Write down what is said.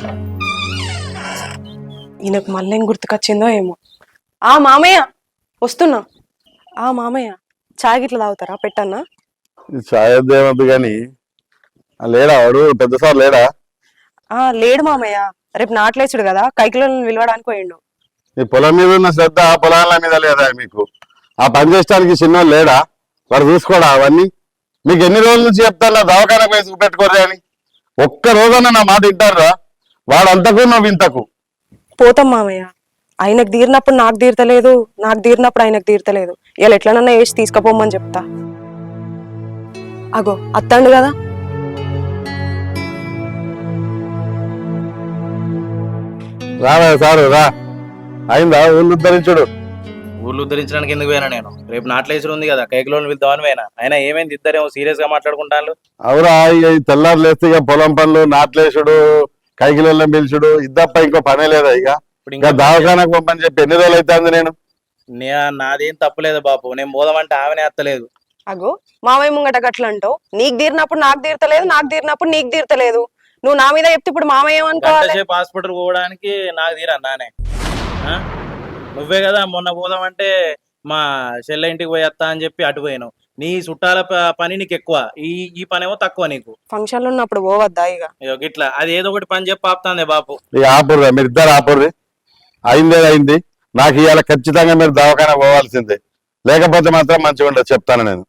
ఈయనకు మళ్ళీ ఏం గుర్తుకొచ్చిందో ఏమో. ఆ మామయ్య వస్తున్నా. ఆ మామయ్య చాయ్ గిట్ల తాగుతారా? పెట్టన్నా? చాయ్ వద్దు కానీ లేడా వాడు పెద్ద సార్ లేడా? లేడు మామయ్య, రేపు నాట్లేసుడు కదా, కైకిలను విలవడానికి పోయిండు. ఈ పొలం మీద ఉన్న శ్రద్ధ ఆ పొలాల మీద లేదా మీకు? ఆ పని చేసడానికి చిన్నోళ్ళు లేడా? వాడు చూసుకోడా అవన్నీ? మీకు ఎన్ని రోజుల నుంచి చెప్తాను దవాఖాన పోయి చూపెట్టుకోరే అని. ఒక్క రోజన్నా నా మాట వింటారా? వాడు అంతకు నువ్వు ఇంతకు. పోతాం మామయ్య, ఆయనకు తీరినప్పుడు నాకు తీరతలేదు, నాకు తీరినప్పుడు ఆయనకు తీరతలేదు. ఇలా ఎట్లనన్నా వేసి తీసుకుపోమని చెప్తా. అగో అత్తండు కదా. రావా సారు రా. అయిందా ఊళ్ళు ఉద్ధరించుడు? ఊళ్ళు ఉద్ధరించడానికి ఎందుకు పోయినా నేను? రేపు నాట్లేసుడు ఉంది కదా, కైకిలోని వెళ్దామని పోయినా. అయినా ఏమైంది? ఇద్దరేమో సీరియస్ గా మాట్లాడుకుంటాను. అవురా, ఈ తెల్లారు లేస్తే ఇక పొలం పనులు, నాట్లేసుడు, కైకిలెళ్ళం పిలుచుడు ఇద్దప్ప ఇంకో పనే లేదా? ఇక ఇంకా దవాఖానకు పంపని చెప్పి ఎన్ని రోజులు అవుతుంది? నేను నాదేం తప్పులేదు బాపు, నేను పోదామంటే ఆమెనే ఎత్తలేదు. అగో మామయ్య ముంగట గట్ల అంటావు. నీకు తీరినప్పుడు నాకు తీరతలేదు, నాకు తీరినప్పుడు నీకు తీరతలేదు. నువ్వు నా మీద చెప్తే ఇప్పుడు మామయ్య ఏమనుకోవాలి? హాస్పిటల్ పోవడానికి నాకు తీరా నానే? నువ్వే కదా మొన్న పోదామంటే మా చెల్లె ఇంటికి పోయేస్తా అని చెప్పి అటు పోయాను. నీ చుట్టాల పని నీకు ఎక్కువ, ఈ పని ఏమో తక్కువ నీకు. ఫంక్షన్ లో ఉన్నప్పుడు పోవద్దా? ఇక ఇట్లా అది ఏదో ఒకటి పని చెప్పి ఆపుతాందే బాపు. ఇక ఆపుర్రా, మీరు ఇద్దరు ఆపుర్రి. అయింది. నాకు ఇవాళ ఖచ్చితంగా మీరు దవాఖాన పోవాల్సిందే, లేకపోతే మాత్రం మంచిగా ఉండదు చెప్తాను నేను.